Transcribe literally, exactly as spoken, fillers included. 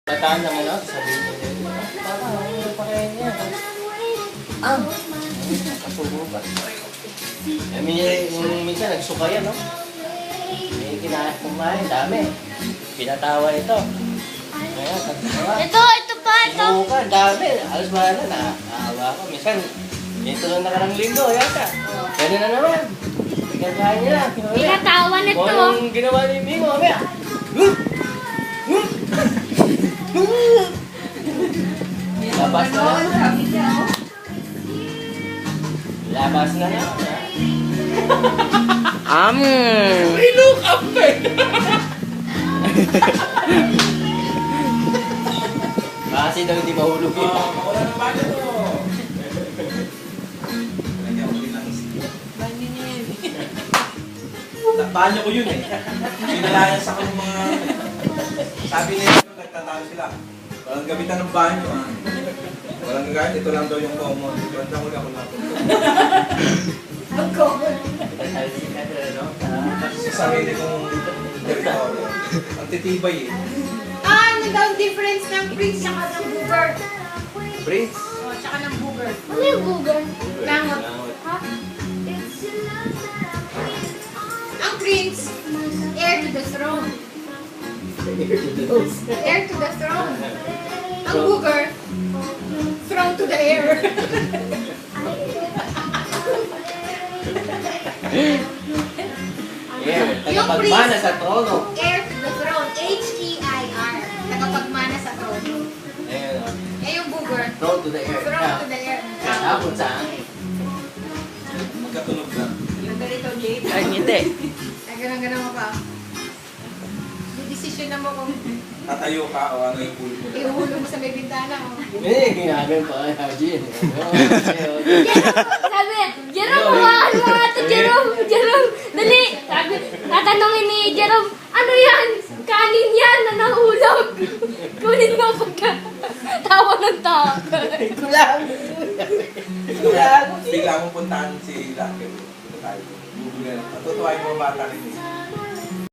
Bataan naman ako, sabihin mo din. Baka, ano pa kaya niya? Ah! Kasubo ba? Eh, may, yung minsan nagsuka yan, no? May kinahat kumain, dami. Pinatawa ito. Kaya, katawa. Ito, ito pa, ito. Sinuka, dami. Alas bahala na. Naawa ko. Minsan, ito lang nakarang linggo, yata. Ganun na naman. Pinatawa niya lang. Pinatawa nito. Kung anong ginawa ni Mimo, kaya. Labas na lang. Labas na lang. Am. May look up eh. Kasi daw hindi mahulog yun. Oh, mawala ng bago to. Lagyan ko rin lang isip. Banyo ko yun eh. Pinalayas ako ng mga... Sabi nila, nagtatalo sila. Walang gamitan ng banyo ah. Walang gagawin, ito lang daw yung common. Ito lang ako lang. Ang common. Sa sarili kong territory. Ang titibay eh. Ah, ano daw ang difference ng prince tsaka ng booger? Prince. O, tsaka ng booger. Ano yung Google? Langot. Ha? Ang prince, heir to the throne. Heir to the throne. Ang booger, throne to the air. Yeah, Yung tagapagmana priest. sa trono. Heir to the throne. H E I R. Tagapagmana sa trono. Ayun, oh. Eh, yung booger, Throne to the air. throne to the air. Tapon sa angin. Magkatunog na. Yung ganito, Jade. Ay, hindi. Ay, ganun-ganun mo pa. Decision na mo kung Tatayo ka o ano yung pool mo. ihulog mo sa may bintana. O. Eh, ginagawin pa kay Haji. Sabi, Jerome, hawakan mo nga ito, Jerome. Jerome, dali. Sabi, tatanungin ni Jerome, ano yan? Kanin yan na nahulog. Kunin mo pagka tawa ng tawa. Kulang. Bigla bigla mong puntahan si Lucky. Tayo. Matutuwa yung mga bata rin eh.